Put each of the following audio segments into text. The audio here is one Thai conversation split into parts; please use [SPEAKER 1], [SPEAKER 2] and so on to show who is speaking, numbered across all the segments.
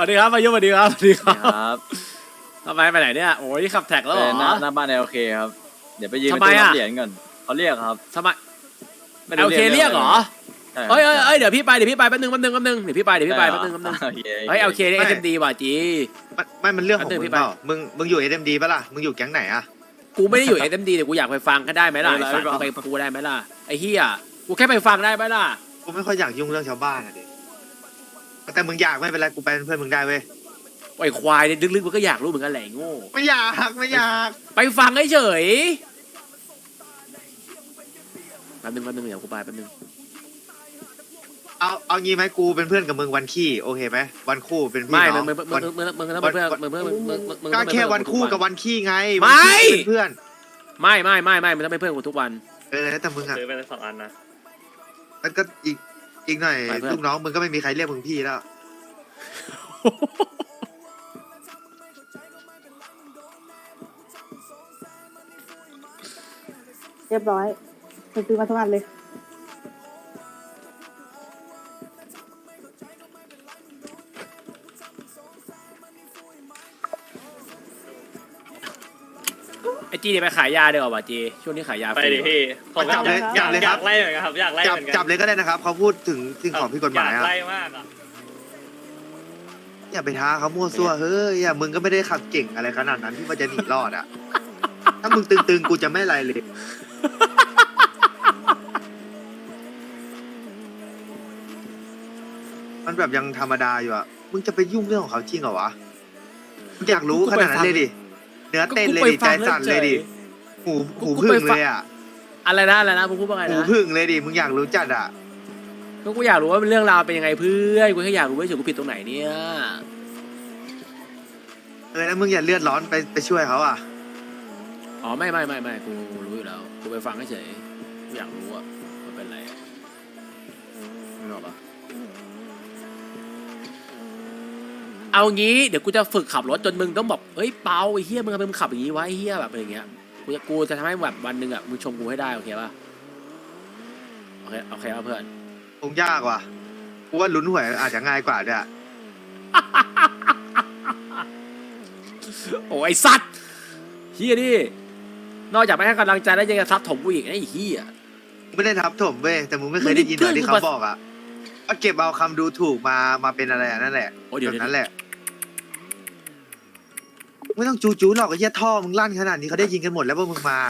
[SPEAKER 1] วัสดีครับมายุสวัสดีครับสวัสดีค
[SPEAKER 2] ค
[SPEAKER 1] รั
[SPEAKER 2] รับ บ
[SPEAKER 1] ทำไมไปไหนเนี่ยโอ้ยขับแท็กแล้วเหรอ
[SPEAKER 2] หน้าบ้านโอเคครับ เดี๋ยวไปยืน
[SPEAKER 1] ทำไม
[SPEAKER 2] ตู้รั
[SPEAKER 1] อะ
[SPEAKER 2] บเหรียญก่อนเขาเรียกครับ
[SPEAKER 1] ทำไม
[SPEAKER 2] ไม่ได้
[SPEAKER 1] โอเคเรียกเหรอ
[SPEAKER 2] ใช่ครับ
[SPEAKER 1] เอ้ยเดี๋ยวพี่ไปแป๊บนึงเดี๋ยวพี่ไปแป๊บนึง
[SPEAKER 2] โอเค
[SPEAKER 1] เฮ้ยโอเคนี่
[SPEAKER 3] ไม่
[SPEAKER 1] SMD ว่ะจี
[SPEAKER 3] มันเรื่องของ
[SPEAKER 1] อันหนึ่ง
[SPEAKER 3] มึ
[SPEAKER 1] พี่
[SPEAKER 3] ง
[SPEAKER 1] ไป
[SPEAKER 3] เปล่ามึงอยู่ SMD ปะล่ะมึงอยู่แก๊งไหนอะ
[SPEAKER 1] กูไม่ได้อยู่ SMD แต่กูอยากไปฟังก็ได้ไหมล่ะไอ้สัตว์กูไปกูได้ไหมล่ะไอ้เหี้ยกูแค่ไปฟังได้ไหมล่ะ
[SPEAKER 3] กูไม่ค่อยอยากยุ่งเรื่องชาวบ้านอะดิแต่มึงอยากไม่เป็นไรกูไปเป็นเพื่อนมึงได้เว้ย
[SPEAKER 1] ไอ้ควายเนี่ยลึกๆมันก็อยากรู้เหมือนกันแหละไอ้โง่
[SPEAKER 3] ไม่อยาก
[SPEAKER 1] ไปฟังเฉยแป๊บนึงเดี๋ยวกูไปแป๊บนึง
[SPEAKER 3] เอางี้ไหมกูเป็นเพื่อนกับมึงวันขี้โอเคไหมวันคู่เป็นพี่
[SPEAKER 1] ไม่
[SPEAKER 3] น้อง
[SPEAKER 1] มึงต้องเป็นเพื่อนมึง
[SPEAKER 3] ก็
[SPEAKER 1] ต้องเป็น
[SPEAKER 3] แค่
[SPEAKER 1] เพื่อน
[SPEAKER 3] วันคู่กับวันขี้ไง
[SPEAKER 1] ไม่
[SPEAKER 3] วันขี้เป็นเพื่อน
[SPEAKER 1] ไม่มันต้องเป็นเพื่อนกูทุกวัน
[SPEAKER 3] แล้วแต่มึงอะ
[SPEAKER 4] ซื้อไป2 อันนะ
[SPEAKER 3] มันก็อีกหน่อย
[SPEAKER 1] ไปเพื่อน
[SPEAKER 3] ลูกน้องมึงก็ไม่มีใครเรียกมึงพี่แล้ว
[SPEAKER 5] เรียบร้อยซื้อมาทุกอันเลย
[SPEAKER 1] ไอจีเนี่ยไปขายยาเดี๋ยวว่ะจีช่วงนี้ขายยา
[SPEAKER 4] ไปดิพี่ผมก็
[SPEAKER 3] จับเลย
[SPEAKER 4] อ
[SPEAKER 3] ค
[SPEAKER 4] ยา
[SPEAKER 3] รับ
[SPEAKER 4] กไล่เหมือนกันครับอยากไล่
[SPEAKER 3] จับ
[SPEAKER 4] เหมือนกัน
[SPEAKER 3] จับเลยก็ได้นะครับเขาพูดถึงสิ่งของผิดกฎหมาย
[SPEAKER 4] อยาก
[SPEAKER 3] อะ
[SPEAKER 4] ไล่มากอ่ะ
[SPEAKER 3] อย่าไปท้าเขามั่วซั่วเฮ้ยมึงก็ไม่ได้ขับเก่งอะไรขนาดนั้นที่มันจะหนีรอดอะถ้ามึงตึงๆกูจะไม่อะไรเลย มันแบบยังธรรมดาอยู่อะมึงจะไปยุ่งเรื่องของเขาจริงเหรอวะมึงอยากรู้ขนาดนั้นเลยดิ เนื้อเต้นเลยดิใจสั่นเลยดิ หูพึ่งเลยอะ
[SPEAKER 1] อะไรนะมึงพูดว่าไง
[SPEAKER 3] หู
[SPEAKER 1] นะ
[SPEAKER 3] พึ่งเลยดิ มึงอยากรู้จัดอะ
[SPEAKER 1] ก็กูอยากรู้ว่าเรื่องราวเป็นยังไงเพื่อนกูแค่อยากรู้ว่าเฉยกูผิดตรงไหนเนี่ย
[SPEAKER 3] แล้วมึงอย่าเลือดร้อนไปช่วยเขาอะ
[SPEAKER 1] อ๋อไม่กูรู้อยู่แล้วกูไปฟังเฉยกูอยากรู้ว่ามันเป็นอะไรไม่รู้ปะเอางี้เดี๋ยวกูจะฝึกขับรถจนมึงต้องบอกเอ้ยเปาไอ้เฮียมึงทำไมมึงขับอย่างนี้วะไอ้เฮียแบบอะไรอย่างเงี้ยกูจะทำให้แบบวันหนึ่งอ่ะมึงชมกูให้ได้โอเคป่ะโอเคป่ะเพื่อน
[SPEAKER 3] คงยากว่ะกูว่าลุ้นหวยอาจจะง่ายกว่าด้วยอะ
[SPEAKER 1] โอ้ไอสัตว์เฮียดินอกจากไม่ให้กำลังใจแล้วยังจะซัดถมกูอีกไอ้เฮีย
[SPEAKER 3] มึงไม่ได้ทับถมเว้ยแต่มึงไม่เคยได้ยินเหรอที่เขาบอกอะว่าเก็บเอาคำดูถูกมาเป็นอะไรอะนั่นแหละ
[SPEAKER 1] โอ้เดี๋ยว
[SPEAKER 3] แบบนั้นแหละไม่ต้องจูหรอกไอ้เหี้ยท่อมึงลั่นขนาดนี้เขาได้ยินกันหมดแล้วว่ามึงมา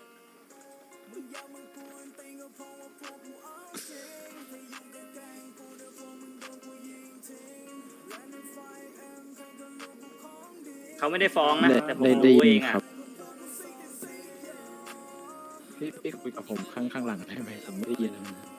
[SPEAKER 4] เขาไม่ได้ฟ้องนะแต่ผมรู้เองอ่ะ
[SPEAKER 6] พี่คุยกับผมข้างหลังได้ไหมผมไม่ได้ยินเลย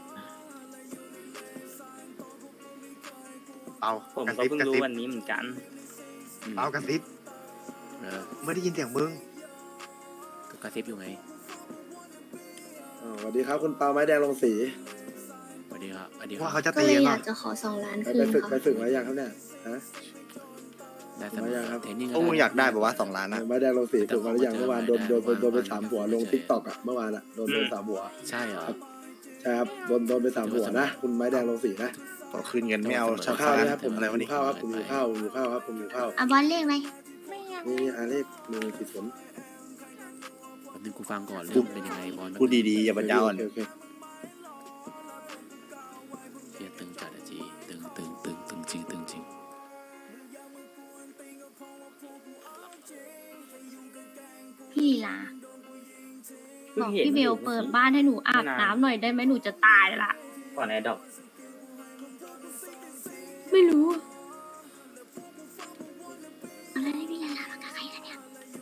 [SPEAKER 3] เอา
[SPEAKER 4] ผม
[SPEAKER 3] กระ
[SPEAKER 4] ก็
[SPEAKER 3] ซิบ
[SPEAKER 4] เพิ่ง
[SPEAKER 3] กระ
[SPEAKER 4] รู้
[SPEAKER 3] ซิบ
[SPEAKER 4] วันนี้เหมือนกัน
[SPEAKER 3] เอากระซิบ
[SPEAKER 1] เออ
[SPEAKER 3] ไม่ได้ยินเสียงมึง
[SPEAKER 1] ก็กระซิบอยู่ไง
[SPEAKER 7] สวัสดีครับคุณปาไม้แดงลงสี
[SPEAKER 1] สวัสดีครับสวัสดีค
[SPEAKER 3] ว่า
[SPEAKER 1] รับ
[SPEAKER 3] เขาจะ
[SPEAKER 8] ก็
[SPEAKER 3] ตี
[SPEAKER 8] เลย
[SPEAKER 3] กัน
[SPEAKER 8] อยา
[SPEAKER 3] ป่ะ
[SPEAKER 8] กจะขอ2 ล้าน
[SPEAKER 7] ไป
[SPEAKER 8] คืน
[SPEAKER 7] ฝึก
[SPEAKER 8] ค่ะ
[SPEAKER 7] ไปฝึกมาอย่างครับเนี่ยฮะ
[SPEAKER 1] ได้เสม
[SPEAKER 7] ไม่
[SPEAKER 1] อ
[SPEAKER 7] ยากครับ
[SPEAKER 1] เทรนนิ่ง
[SPEAKER 9] พวกมึงอยากได้แบบว่า2 ล้านอะ
[SPEAKER 7] ไม้แดงลงสีฝึกมาหรือยังเมื่อวานโดน
[SPEAKER 1] ได้
[SPEAKER 7] ไป3 หัวลงทิกตอกอะเมื่อวานอะโดน3 หัว
[SPEAKER 1] ใช่เหรอ
[SPEAKER 7] ใช่ครับโดนไป3 หัวนะคุณไม้แดงลงสีนะ
[SPEAKER 9] ขอคืนเงินไม่เอาชาว
[SPEAKER 7] ข้าว
[SPEAKER 9] บ้าน
[SPEAKER 7] นะครับผม
[SPEAKER 9] อะไรวะนี่
[SPEAKER 7] ข้าวครับผมอยู่ข้าวครับผมอยู่ข้าว
[SPEAKER 8] อ่ะบอลเลขไหม
[SPEAKER 7] นี่อาเล็กมือผิดผล
[SPEAKER 1] แป๊บนึงกูฟังก่อนเรื่องเป็นยังไงบอล
[SPEAKER 9] พูดดีๆอย่าบรรยาอ่อน
[SPEAKER 7] โอเค
[SPEAKER 1] เฮียตึงจัดอะจีตึงจริง
[SPEAKER 8] พี่ลีลาบอกพี่เบลเปิดบ้านให้หนูอาบน้ำหน่อยได้ไหมหนูจะตายละ
[SPEAKER 4] ก่อนแอร์ดรอป
[SPEAKER 8] ไม่รู้ อะไรพี่ลีลามากับใครกันเนี่ย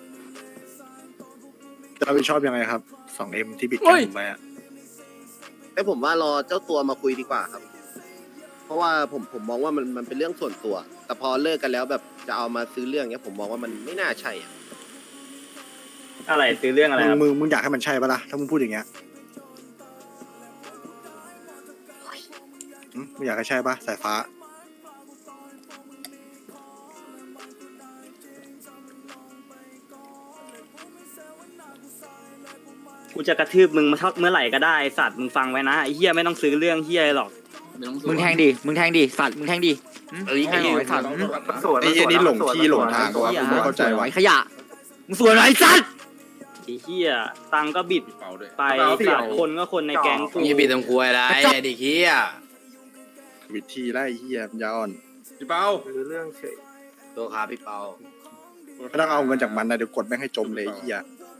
[SPEAKER 9] จะรับผิดชอบยังไงครับ 2M ที่บิดกันผมไปอะ
[SPEAKER 10] ไอ้ผมว่ารอเจ้าตัวมาคุยดีกว่าครับ เพราะว่าผมมองว่ามันเป็นเรื่องส่วนตัว แต่พอเลิกกันแล้วแบบจะเอามาซื้อเรื่องเนี้ยผมมองว่ามันไม่น่าใช่อะ
[SPEAKER 4] อะไรซื้อเรื่องอะไรครับ
[SPEAKER 9] มึงอยากให้มันใช่ปะล่ะถ้ามึงพูดอย่างเงี้ยมึงอยากให้ใช่ปะสายฟ้า
[SPEAKER 4] กูจะกระทืบมึงมาเมื่อไหร่ก็ได้สัตว์มึงฟังไว้นะไอ้เฮียไม่ต้องซื้อเรื่องเฮียหรอก
[SPEAKER 2] มึงแทงดิสัตว์มึงแทงดิเอ้ยไอ้สัตว์
[SPEAKER 9] ไอ้เหี้ยนี่หลงที่หลงทางวะกูไม่เข้าใจวะ
[SPEAKER 2] ขยะมึงสวยไรสัตว์
[SPEAKER 4] ไอ้เหี้ยตังค์ก็บิดไปสัตว์คนก็คนในแก๊งกู
[SPEAKER 2] มีบีตรงควยอะไรดิขี้อ่ะ
[SPEAKER 9] วิธีไล่เหี้ยปัญญาอ่อน
[SPEAKER 6] พี่เปา
[SPEAKER 2] ตัวขาพี่เปา
[SPEAKER 9] ไม่ต้องเอาเงินจากมันนะเดี๋ยวกดแม่งให้จมเลยไอ้เหี้ย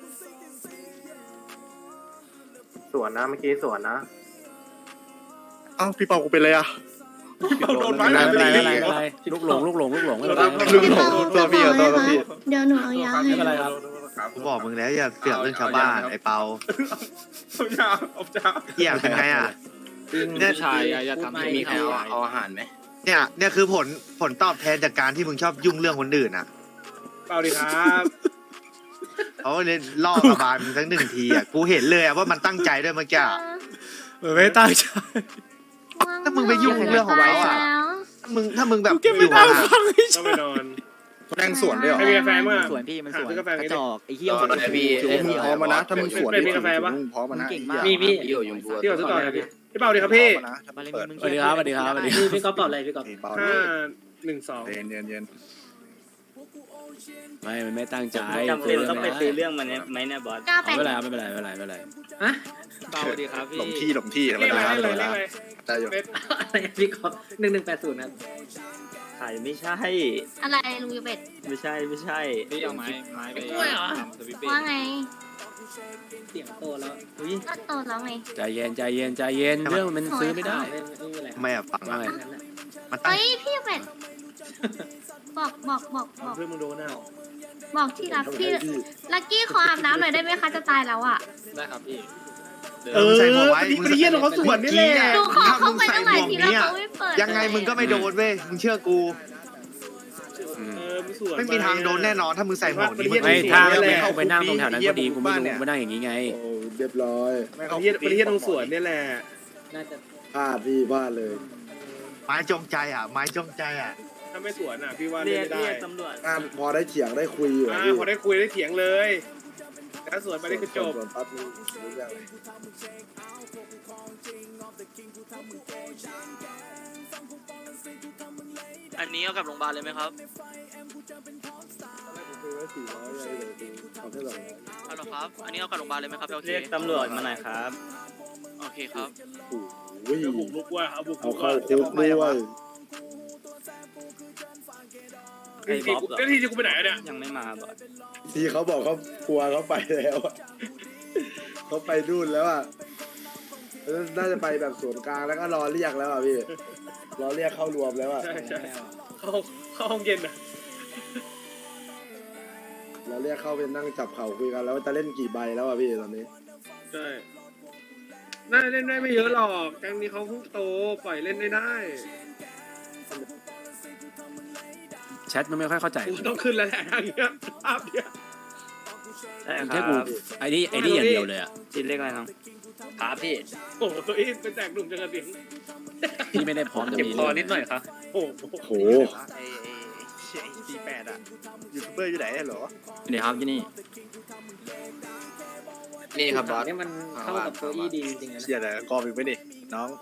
[SPEAKER 3] สวนนะเมื่อกี้สวนนะ
[SPEAKER 9] เอ้าพี่เปากูเป็นเลยอะ
[SPEAKER 6] โดนไม้
[SPEAKER 1] ไม่
[SPEAKER 6] ไหน
[SPEAKER 1] เป็นไร
[SPEAKER 6] ไม่
[SPEAKER 1] ไม่
[SPEAKER 6] ได้
[SPEAKER 1] เป็นไรลูกหลงไม่เป็นไร
[SPEAKER 9] ลืมหลงตัวพี่ตัวพี่
[SPEAKER 8] เดี๋ยวหนูเอายาให้
[SPEAKER 1] ไม่เป็นไรครับ
[SPEAKER 3] กูบอกมึงแล้วอย่าเสือกเรื่องชาวบ้านไอ้เปา
[SPEAKER 6] เอาจ้าเอาจ้า
[SPEAKER 3] เหี้ยเป็นไงอ่ะ
[SPEAKER 6] ผู้ชายอย่าทำให้
[SPEAKER 2] มีใครเอาอาหารไหม
[SPEAKER 3] เนี่ยคือผลตอบแทนจากการที่มึงชอบยุ่งเรื่องคนอื่นอ่ะ
[SPEAKER 6] เปล่าดีครับ
[SPEAKER 3] เขาเลยล่อกระบาลมึงทั้ง1 ทีอ่ะกูเห็นเลยอ่ะว่ามันตั้งใจด้วยเมื่อกี้อะ
[SPEAKER 1] ไม่ตั้งใจ
[SPEAKER 3] ถ้ามึงไปยุ่งเรื่องของเขาอะ ถ้ามึงแบบ
[SPEAKER 1] เก็บ
[SPEAKER 3] อ
[SPEAKER 1] ไม่
[SPEAKER 3] ยู่
[SPEAKER 1] ได้
[SPEAKER 3] ห่าง
[SPEAKER 1] ฟังไม่
[SPEAKER 6] ต้อง
[SPEAKER 1] ใช่
[SPEAKER 6] ไปนอน
[SPEAKER 9] แม่งสวนด้วยเหรอ
[SPEAKER 6] ให้มีกาแฟมั้ง
[SPEAKER 2] สวนพี่มันสวน
[SPEAKER 6] ซื้อกาแฟ
[SPEAKER 2] กระจอกไอ้เหี้ย
[SPEAKER 3] เอาเลยพี่
[SPEAKER 9] ถือว่ามึงพร้อมมานะถ้ามึงสวน
[SPEAKER 6] มีกาแฟปะ
[SPEAKER 9] มึงพร้อมมานะ
[SPEAKER 2] เก่งมาก
[SPEAKER 9] ไอ้
[SPEAKER 2] มี
[SPEAKER 9] เหี้ย
[SPEAKER 2] พี่อยู่ยงบัว
[SPEAKER 6] พี่ขอซื้อต่อเลยพี่เปล่าดีครับพี่
[SPEAKER 9] พร้อมมานะถ้ามึงเปิด
[SPEAKER 1] สวัสดีครับสวัสดีครับสวัสดีครับ
[SPEAKER 4] พี่ก๊อฟตอบอะไรพี่ก๊อฟ
[SPEAKER 9] เบา
[SPEAKER 6] 512
[SPEAKER 9] เย็นเย็น
[SPEAKER 1] ไม่ตั้งใจ
[SPEAKER 4] จำเป็นต้องไปซื้อเรื่องมันไหมเนี่ยบอส
[SPEAKER 8] กล้า
[SPEAKER 1] ไม่
[SPEAKER 8] เป็น
[SPEAKER 1] เป็นไรไม่เป็นไรไม่เป็นไร
[SPEAKER 6] เปล่าดีครับพี่
[SPEAKER 9] หลงที่ธรรม
[SPEAKER 6] เรียก
[SPEAKER 9] ดา
[SPEAKER 6] อะไร
[SPEAKER 9] ธรรม
[SPEAKER 6] เรีย
[SPEAKER 9] ดาก
[SPEAKER 6] อะไร
[SPEAKER 9] ใจอยู่
[SPEAKER 4] พี่ก๊อฟ1180นะขายไม่ใช่
[SPEAKER 8] อะไรลุงยูเป็ด
[SPEAKER 4] ไม่ใช่
[SPEAKER 6] พี่เอาไม้ไป
[SPEAKER 8] ว่าไง
[SPEAKER 4] เสียงโตแล้วอุ้ย
[SPEAKER 8] ก็โตแล้วไง
[SPEAKER 1] ใจเย็นเรื่องมันซื้อไม่ได้
[SPEAKER 3] ไม่อะฟัง
[SPEAKER 1] ว่าไง
[SPEAKER 3] มันตั้ง
[SPEAKER 8] เฮ้ยพี่ยูเป็ดบอก
[SPEAKER 6] เพื่อนมึงโดนอ่ะ
[SPEAKER 8] บอกที่รักพี่ลักกี้ขออาบน้ำหน่อยได้ไหมคะจะตายแล้วอ่ะ
[SPEAKER 6] ได้ครับพี่
[SPEAKER 3] มึงใส่หมวกไว้
[SPEAKER 6] มึงเยี่ยนของเขาสวนนี่แหละ
[SPEAKER 8] ดูขอเข้าไปตั้งหลายทีแล้วเขาไม่เปิด
[SPEAKER 3] ยังไงมึงก็ไม่โดนเว้ยมึงเชื่อกู
[SPEAKER 6] มึงสวน
[SPEAKER 3] ไม่มีทางโดนแน่นอนถ้ามึงใส่หมวกนี้มึง
[SPEAKER 1] ไม่ถ้าไม่เข้าไปนั่งตรงแถวนั้นก็ดีกูไม่รู้มานั่งอย่างนี้ไง
[SPEAKER 7] โอ้เรียบร้อย
[SPEAKER 6] มันเยี่ยนตรงสวนนี่แหละ
[SPEAKER 4] น่าจะ
[SPEAKER 7] พลาดพี่พลาดเลย
[SPEAKER 3] ไม้จงใจอ่ะไม้จงใจอ่ะ
[SPEAKER 6] ถ้าไม่สวนอ่ะพี่ว่า
[SPEAKER 4] เรี
[SPEAKER 6] เล่
[SPEAKER 4] ย
[SPEAKER 6] น
[SPEAKER 4] ก
[SPEAKER 6] ไม่ได้
[SPEAKER 4] ตำรวจ
[SPEAKER 7] พอได้เถียงได้คุยอยู่อะพี่
[SPEAKER 6] พอได้คุยได้เถียงเลยถ้าสวนไปได้คือจบ
[SPEAKER 7] ส่วนปั๊บนี่รู้เรื่องเลย
[SPEAKER 2] อันนี้เอากลับโรงพยาบาลเลยไหมครับ
[SPEAKER 7] คุยไว้400เลยเดี๋ยวดูเอาแค่200
[SPEAKER 2] ฮัลโหลครับ อันนี้เอากลับโรงพยาบาลเลยไหมครับโอเค
[SPEAKER 4] เรียกตำรวจมาหน่อยครับ
[SPEAKER 2] โอเคครับ
[SPEAKER 7] โอ้โห
[SPEAKER 6] เอาบุกลุกว่าเอาบุก
[SPEAKER 7] เอา
[SPEAKER 6] ลุก
[SPEAKER 7] เข้า
[SPEAKER 6] ว่า
[SPEAKER 7] คุกด้วย
[SPEAKER 6] ที่กูไปไหนเนี่ย
[SPEAKER 4] ยังไม่มาบอส
[SPEAKER 7] ที่เขาบอกเขากลัวเขาไปแล้วอะเขาไปนู่นแล้วอ่ะน่าจะไปแบบสวนกลางแล้วก็รอเรียกแล้วอ่ะพี่รอเรียกเข้ารวมแล้วอ่ะ
[SPEAKER 6] ใช่เข้าห้องเย็นอ่ะ
[SPEAKER 7] เราเรียกเข้าไปนั่งจับเข่าคุยกันแล้วว่าจะเล่นกี่ใบแล้วอ่ะพี่ตอนนี้
[SPEAKER 6] ใช่น่าเล่นได้ไม่เยอะหรอกแก๊งนี้เขาเพิ่งโตปล่อยเล่นได้
[SPEAKER 1] แชทมันไม่ค่อยเข้าใจ
[SPEAKER 6] กูต้องขึ้นแล้วแหละทางเนี้ยภาพเนี้ย
[SPEAKER 4] ใช่ค
[SPEAKER 1] แค่
[SPEAKER 4] รั
[SPEAKER 1] กู
[SPEAKER 4] บ
[SPEAKER 1] ไอ้นี่อย่างเดียวเลยอ่ะ
[SPEAKER 4] จินเรียกอะไรน้อง
[SPEAKER 2] ครับพี่
[SPEAKER 6] โอ้โหตัวนี้เป็นแตกหนุ่มจังกระดิ่ง
[SPEAKER 1] พี่ไม่ได้พร้อมจะมี
[SPEAKER 6] โอ้โห
[SPEAKER 7] โห
[SPEAKER 9] ไอ้48อ่ะยูทูบเบอร์อยู่ไหนเหรอ
[SPEAKER 2] เดี๋ยวครับที่นี่ นี่ครับบอส
[SPEAKER 4] นี่มันเข้ากับโซอี้ดีจริงๆนะ
[SPEAKER 9] เชียร์แต่กองอีกไม่ดิน้อง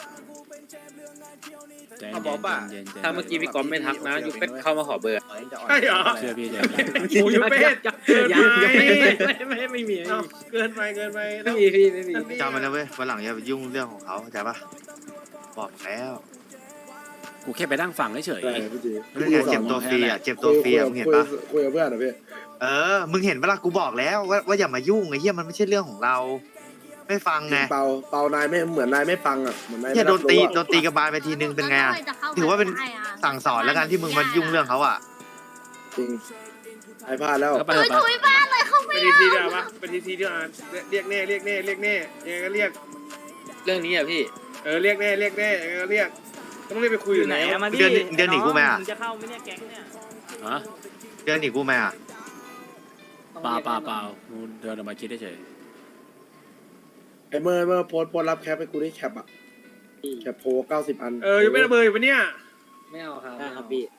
[SPEAKER 1] ใจ
[SPEAKER 9] เอาบอกป่ะ
[SPEAKER 1] เย็น
[SPEAKER 6] ถ้าเมื่อกี้พี่ก๊อฟไม่ทักนะยูเป็ดเข้ามาขอเบอร์
[SPEAKER 9] จะอ่อน
[SPEAKER 6] ใช่เหรอ
[SPEAKER 1] เชื่อพี่ใจ
[SPEAKER 6] โอ้ยูเป็ดเกินไป
[SPEAKER 4] ไม่มี
[SPEAKER 6] เกินไปแล้ว
[SPEAKER 4] ไม่มี
[SPEAKER 3] จำมันนะเว้ยวันหลังอย่าไปยุ่งเรื่องของเขาเข้าใจปะบอกแล้ว
[SPEAKER 1] กูแค่ไปนั่งฟังเฉย
[SPEAKER 7] อะไรพี่จี
[SPEAKER 3] เรื่องเจ็บตัวฟรีอ่ะเจ็บตัวฟรีอ่ะมึงเห็นปะ
[SPEAKER 7] คุยกับเพื่อนเหรอพี่
[SPEAKER 3] มึงเห็นปะล่ะกูบอกแล้วว่าอย่ามายุ่งไอ้เหี้ยมันไม่ใช่เรื่องของเรา ไม่ฟังไง
[SPEAKER 7] เปานายไม่เหมือนนายไม่ฟังอ่ะเหมือนนาย
[SPEAKER 3] เหี้ย
[SPEAKER 7] ไม่
[SPEAKER 3] โด
[SPEAKER 7] รับ
[SPEAKER 3] นตี
[SPEAKER 7] รู้อะ
[SPEAKER 3] โดนตีกระบาลไปทีนึงเป็นไงอ่ะ ถือว่าเป็น สั่งสอนแล้วกันที่มึงมายุ่งเรื่องเขาอ่ะ
[SPEAKER 7] จริงไอ้พลาดแล้ว
[SPEAKER 1] ๆก็ไป
[SPEAKER 8] ถุย
[SPEAKER 1] ไป
[SPEAKER 8] ถุยบ้านเลยเขา
[SPEAKER 6] ไป
[SPEAKER 8] ไม่
[SPEAKER 6] ที
[SPEAKER 8] เอา
[SPEAKER 6] เดียวปะไปทีเดียวเรียกแน่ยังไงก็เรียก
[SPEAKER 2] เรื่องนี้อ่ะพี่
[SPEAKER 6] เรียกแน่ยังไงก็เรียกต้องเรียกไปคุย
[SPEAKER 4] อ
[SPEAKER 6] อยู่
[SPEAKER 4] ยู่ไห
[SPEAKER 6] ไห
[SPEAKER 4] น
[SPEAKER 6] น
[SPEAKER 4] อะมาดิ
[SPEAKER 3] เดือนหนีกูไหมอะ
[SPEAKER 4] งจะเข้าไหมเนี่ยแก๊งเนี่ย
[SPEAKER 1] ฮะ
[SPEAKER 3] เดินหนีกูไหมอ่ะ
[SPEAKER 1] เปล่ากูเดินออกมาคิดเฉย
[SPEAKER 7] ไอ้เมื่อโพสต์รับแคปให้กูได้แคปอ่ะแคปโพ90 อัน
[SPEAKER 6] ยังไม่ระเบิดอยู่ปะเนี่ย
[SPEAKER 4] ไม่เอาครับได้ครับพี่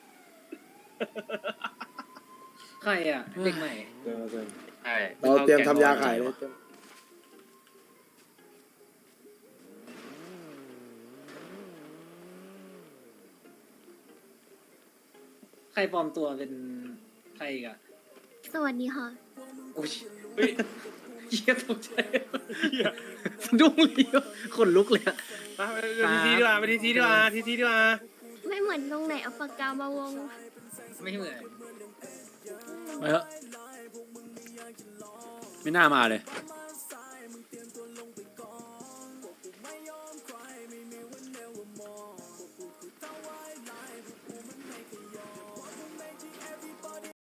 [SPEAKER 4] ใครอ่ะเด็กใหม่
[SPEAKER 2] ใช่
[SPEAKER 7] เราเตรียมทำยาขายเลย
[SPEAKER 2] ใครปลอมตัวเป็นใครอีกอะ
[SPEAKER 8] สวัสดีค่ะ
[SPEAKER 2] อุ้ยเฮ้ยเหี้ยตกใจสะดุ้งเลยขนลุกเลยอะ
[SPEAKER 6] ไปทีดีกว่าไปทีดีกว่าทีดีกว่า
[SPEAKER 8] ไม่เหมือนตรงไหนเอาปากกามาวง
[SPEAKER 2] ไม่เหมือน
[SPEAKER 1] ไปเถอะไม่น่ามาเลย
[SPEAKER 8] ไ